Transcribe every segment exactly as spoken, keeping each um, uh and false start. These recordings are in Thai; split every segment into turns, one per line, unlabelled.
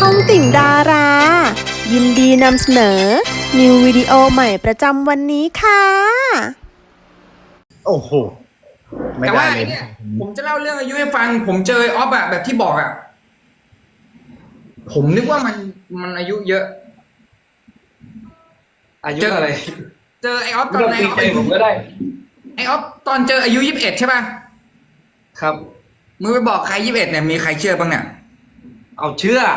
องติ่งดารา ยินดีนำเสนอ นิววิดีโอใหม่ประจำวันนี้ค่ะ
โอ้โหไม่
แต่
ได้
ว่า
เลย
เนี่ยผมจะเล่าเรื่องอายุให้ฟัง ผมเจอออฟอะแบบที่บอกอะผมนึกว่ามันมันอายุเยอะ
อายุอะไร
เจอไอออฟต
ไม่
อน
ต้อง
ไอ
ตี
ออฟ
ใจผมก็ได้
ไอออฟตอนเจออายุยี่สิบเอ็ดใช่ป่ะ
ครับ
มึงไปบอกใครยี่สิบเอ็ดเนี่ยมีใครเชื่อบ้างเนี่ย
เอาเชื่อ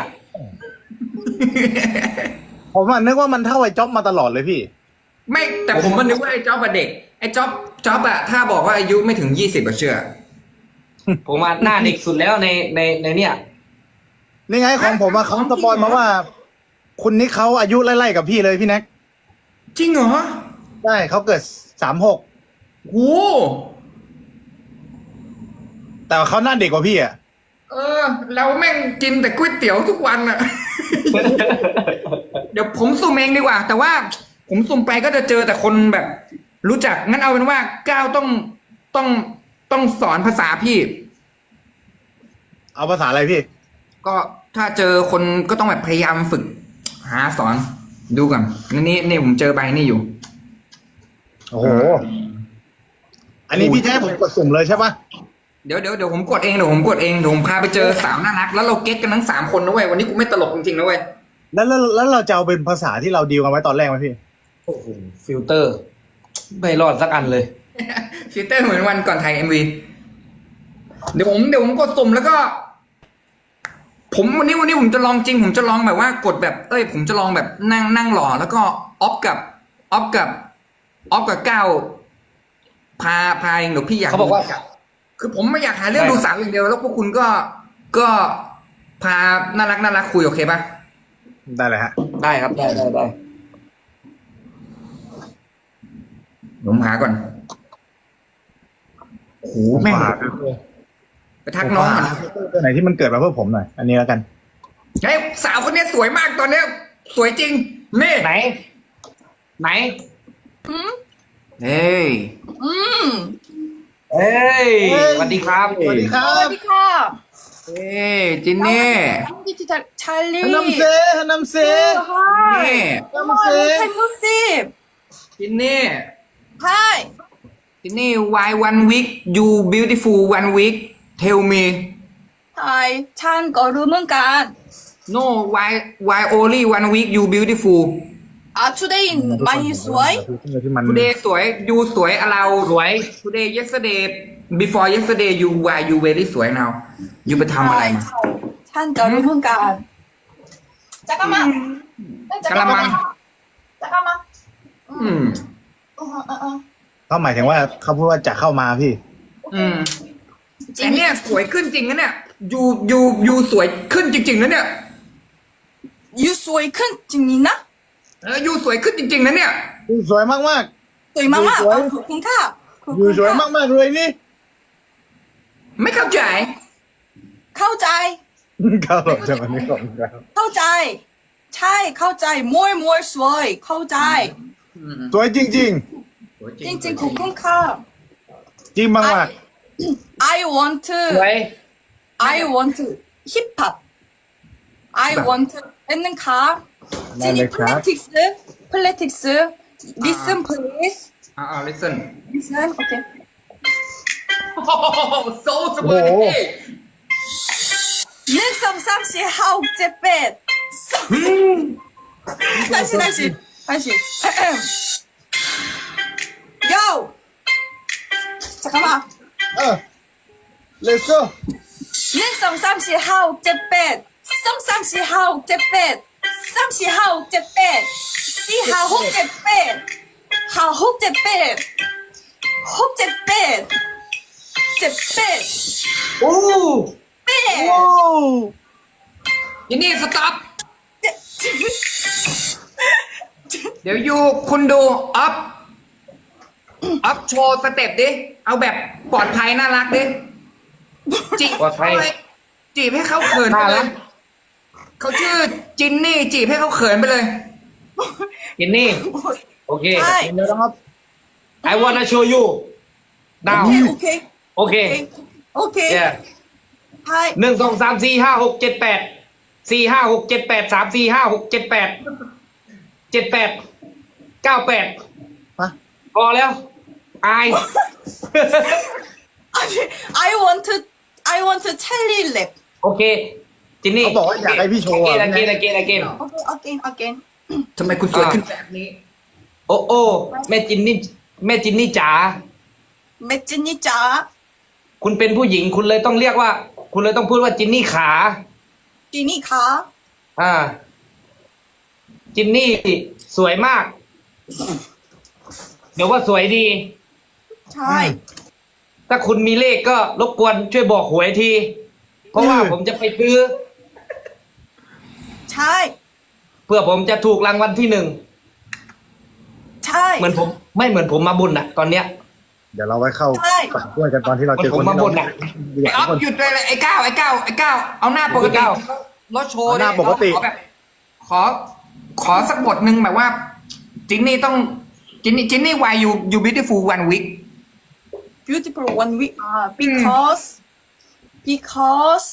ผมอะนึกว่ามันเท่าไอ้จ๊อบมาตลอดเลยพี่
ไม่แต่ผมมันนึกว่าไอ้จ๊อบอะเด็กไอ้จ๊อบจ๊อบอะถ้าบอกว่าอายุไม่ถึงยี่สิบก็เชื่อ
ผมมาหน้าเด็กสุดแล้วในในในเนี่ย
นี่ไงของผมอะเขาสปอยมาว่า คุณนิกเขาอายุไล่ๆกับพี่เลยพี่แน็ก
จริงเหรอ
ใช่เขาเกิดสามหก
โอ้
แต่ว่าเขาหน้าเด็กกว่าพี่อะ
เออ เราแม่งกินแต่ก๋วยเตี๋ยวทุกวันอะ เดี๋ยวผมสุ่มเองดีกว่า แต่ว่าผมสุ่มไปก็จะเจอแต่คนแบบ รู้จักงั้นเอาเป็นว่าก้าวต้องต้องต้องสอนภาษาพี่
เอาภาษาอะไรพี่
ก็ถ้าเจอคนก็ต้องแบบพยายามฝึก หาสอนดูก่อนนี่นี่นี่ผมเจอใบนี่อยู่
โอ้โห อันนี้พี่แท้ผมกดสุ่มเลยใช่ปะ
เดี๋ยวเดี๋ยวเดี๋ยวผมกดเองเดี๋ยวผมกดเองเดี๋ยวผมพาไปเจอสาวน่ารักแล้วเราเก็ตกันทั้งสามคนนะเว้ยวันนี้กูไม่ตลกจริงๆนะเว้ย
แล้วแล้วแล้วเราจะเอาเป็นภาษาที่เราดีลกันไว้ตอนแรกไหมพี่
โอ้โหฟิลเตอร์ ไม่รอดสักอันเลย
ฟิลเตอร์เหมือนวันก่อนถ่ายเอ็มวีเดี๋ยวผมเดี๋ยวผมกดสุ่มแล้วก็ ผมวันนี้วันนี้ผมจะลองจริง ผมจะลองแบบว่ากดแบบ เอ้ย ผมจะลองแบบนั่งนั่งหล่อแล้วก็ออฟกับออฟกับออฟกับก้าวพาพาเองเดี๋ยวพี่อยาก
เขาบอกว่า
คือผมไม่อยากหาเรื่อง
ได้
ดูสาวอย่างเดียวแล้วพวกคุณก็ก็พาน่ารักน่ารักคุยโอเคปะ
ได้เลยฮะ
ได้ครับได้ได้ได้
ผมหาก่อนโอ้โหแม่งไปทักน้องก่อน
ตัวไหนที่มันเกิดมาเพื่อผมหน่อย อันนี้แล้วกัน
ไอ้ยสาวคนนี้สวยมากตอนเนี้ย สวยจริงนี่
ไหน ไหน
เฮ้ย
เอ้ยสวัสดีครับ
สวัสดีครั
สวั
บ
สดีค่ะ
เฮ้ยจินนี่
ดิจิทัลชาลี
ฮันนัมเซฮันนัมเซ
นี่
ฮันนัมเซ
ฮัลโหลซี
จินนี่
ใช่
จินนี่ why one week you beautiful one week tell me
ใช่ฉันก็รู้เหมือนกัน
no why why only one week you beautiful
อ่ะ today ไม่สวย
ที่มัน
today สวย you สวยอะเรา
สวย
today yesterday before yesterday you why you very สวย now you ไปทำอะไรมา
ใช่ฉันก็รู้เหมือนกันจักรมาจักรมาจักรมา
อืม
อืออืออือ
เขาหมายถึงว่าเขาพูดว่าจะเข้ามาพี่
อืมแต่เนี่ยสวยขึ้นจริงนะเนี่ยยูยูยูสวยขึ้นจริงๆนะเนี่ย
ยูสวยขึ้นจริงๆนะ
เออยูสวยขึ้นจริงๆนะเนี่ย
สวยมากมาก
สวยมากๆ
สวย
ขอบคุณค่ะขอบ
ๆอ
คุ
ยู่
ณ
สวย
ค่ะ
มากมากๆเลยนี่
ไม่เข้าใจ
เข้าใจ
เขาหลบจากอันนี้ก่อนครับ
เข้าใจ ใช่เข้าใจ more more สวยเข้าใจ
สวยจริง
สวย
จริงๆขอบคุณค่ะ
ๆ จริงมากมาก
I want to
สวย
I want to hip hop. I want to 있는 카.
네,
지니
네, 카.
politics, politics. Listen, please.
อ่าอ่า listen
Listen, okay.
โอ้โห so สวย
는 삼삼시 하옥제뱃. 다시 다시 다시. Yo. 잠깐만.
เออ let's go
는 삼삼시 하옥제뱃. 삼삼시 하옥제뱃. 삼시 하옥제뱃. 시 하옥제뱃. 하옥제뱃. 혹제뱃. 제뱃.
โอ้
뱃.
โอ้
ยินนี่ stop เดี๋ยวยูคุณดูอัพอัพโชว์สเต็ปดิ เอาแบบปลอดภัยน่ารักดิจีบ
ปลอดภัย
จีบให้เขาเขินไปเลย เขาชื่อจินนี่ จีบให้เขาเขินไปเลย
กินนี่ โอเค
ใช่
เดี๋ยวนะครับ
I wanna show you now
오케이, 오케이.
โอเค
오케이. 오케이.
yeah
하이.
หนึ่งสองสามสี่ห้าหกเจ็ดแปดสี่ห้าหกเจ็ดแปดสามสี่ห้าหกเจ็ดแปดเจ็ดแปดเก้าแปด
ฮะ
พอแล้ว อาย
I want to I want to tell you lip
โอเค จินนี่
เขาบอกว่าอยากให้พี่โชว์
เก
อะ
นเกนเกนเกน
okay again again
ทำไมคุณสวยขึ้นแบบนี้
โอ้โอ้แม่จินนี่แม่จินนี่จ๋า
แม่จินนี่จ๋า
คุณเป็นผู้หญิงคุณเลยต้องเรียกว่า คุณเลยต้องพูดว่าจินนี่ขา
จินนี่คะ
อ่า จินนี่สวยมาก เดี๋ยวว่าสวยดี
ใช่
ถ้าคุณมีเลขก็รบกวนช่วยบอกหวยที เพราะว่าผมจะไปซื้อ
ใช่
เพื่อผมจะถูกรางวัลที่หนึ่ง
ใช่
เหมือนผม ไม่เหมือนผมมาบุญอะตอนเนี้ย
เดี๋ยวเราไว้เข้า
ใช่
ฝักด้วยกันตอนที่เราเจอ
ผม
คน
มา
ที่
บ่น
เรา
อะ
อยา
ไอ้
ก
ออฟ
คน
หยุดเลยเลยไอ้ก้าวไอ้ก้าวไอ้ก้าวเอาหน้าปกติ
ไอ้ก้าว
รถโชว์
เอาหน้า
เลย
ปกติ
ขอแบบขอ ขอสักบทหนึ่งแบบว่า จินนี่ต้อง จินนี่จินนี่ why you you beautiful one week
beautiful one week อ่า because because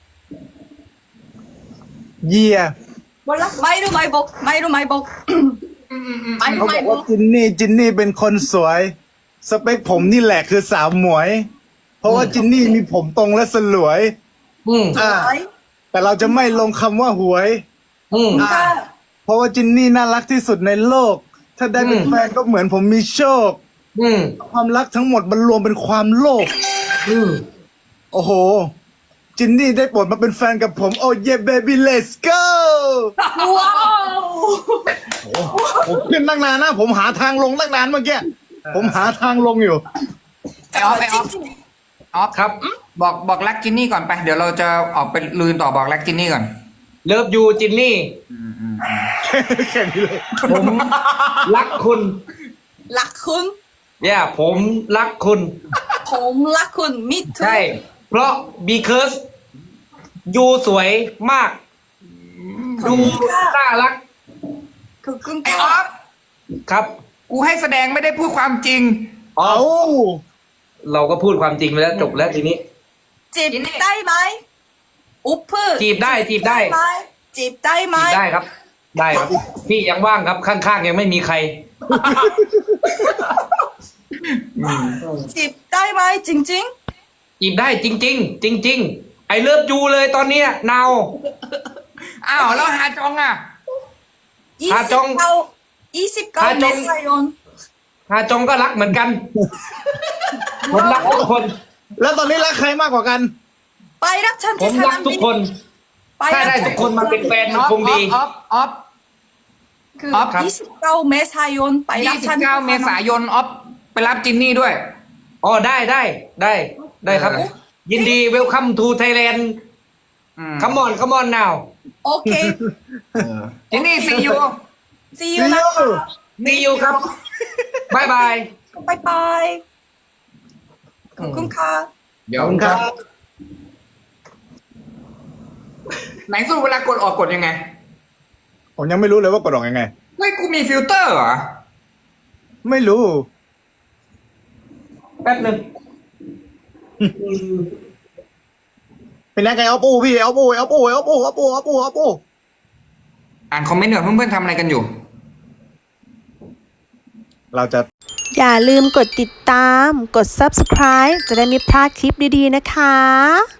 เยีย
ไม่รู้ไม่บอกไม่รู้ไม่บอกไม่รู้
เขาบ
ไม่
อก
บอ
ว่าก จินนี่จินนี่เป็นคนสวย สเปคผมนี่แหละคือสาวหมวย เพราะว่าจินนี่มีผมตรงและสลวย
อืม
อ่า แต่เราจะไม่ลงคำว่าหวย
อืม
ค่ะ
เพราะว่าจินนี่น่ารักที่สุดในโลก ถ้าได้เป็น
อืม
แฟนก็เหมือนผมมีโชค
อืม
ความรักทั้งหมดมันรวมเป็นความโลภ
อืม
โอ้โห จินนี่ได้โปรดมาเป็นแฟนกับผม โอ้เย่เบบี้ let's go
ว้าว
ผมขึ้นตั้งนานนะ ผมหาทางลงตั้งนานเมื่อกี้ ผมหาทางลงอยู่
ไอ้ออฟไอ้ออฟ
จริง
ออฟ
ครับ
บอกบอกรักจินนี่ก่อนไป เดี๋ยวเราจะออกไปลืนต่อบอกรักจินนี่ก่อน
เลิฟยูจินนี่
แค่นี้เลย
ผมรักคุณ
ๆรักคุณ
เนี่ยผมรักคุณ
ผมรักคุณมิทุ
ใช่ เพราะ because ยูสวยมาก ดูน่ารัก
คือคุณ
ไอ้ออฟ
ครับ
กูให้แสดงไม่ได้พูดความจริง
อ๋อ
เอา
เราก็พูดความจริงไปแล้วจบแล้วทีนี้
จีบได้ไหมอุป
จีบได้จีบได้
ไหมจีบได้ไหม
จีบได้ครับ ได้ครับ พี่ยังว่างครับ ข้างๆยังไม่มีใคร
จีบได้ไหมจริง
จีบได้จริง ๆ จริง ๆ ไอเลิฟยูเลยตอนเนี้ยนาว
อ้าวแล้วหาจองอ่ะ
ๆยี่
หา
สิ
จ
บ
ง
เก้ายี่สิบเก้า
หาจ
เม
ง
ษายน
ฮาจงก็รักเหมือนกัน ผมรักทุกคน
แล้วตอนนี้รักใครมากกว่ากัน
ไปรักฉัน
ผม
ที่ส
รัก
นาม
ทุ
บิ
ก
น
คน
ไป
ถ้า
รัก
ได้
ฉั
ทุกคนมาเป็นแฟน
อ
มัน
อฟ
คงดี
ออฟออฟ
คือ
ออฟ
ยี่สิบเก้าเมษายนไปรั
ยี่
ก
สิ
ฉั
บ
น
เก้าเมษายนออฟไปรับจินนี่ด้วย
อ๋อได้ได้ได้ได้ครับ
เออ
ยินดีเวลคัมทูไทยแลนด์
อืม
คัมมอนคัมมอนนาว
โอเค
จินนี่ซียู
see you นะคะ
ดีอยู่ครับบายบาย
บายบายขอบคุณค่ะ
เดี๋ย
ข
ว
อบคุณครับ
ไหนสู้เวลากดออกกดยังไง
ผมยังไม่รู้เลยว่ากดออกยังไง
เฮ้ยกูมีฟิลเตอร์เหรอ
ไม่รู้
แป๊บหนึ่ง
เป็นยังไงเอาปูพี่เอาปูเอาปูเอาปูเอาปูเอาปูเอาปู
อ่านคอมเมนต์หน่อยเพื่อนๆทำอะไรกันอยู่
เราจะ
อย่าลืมกดติดตาม กด ซับสไครบ์ จะได้ไม่พลาดคลิปดีๆนะคะ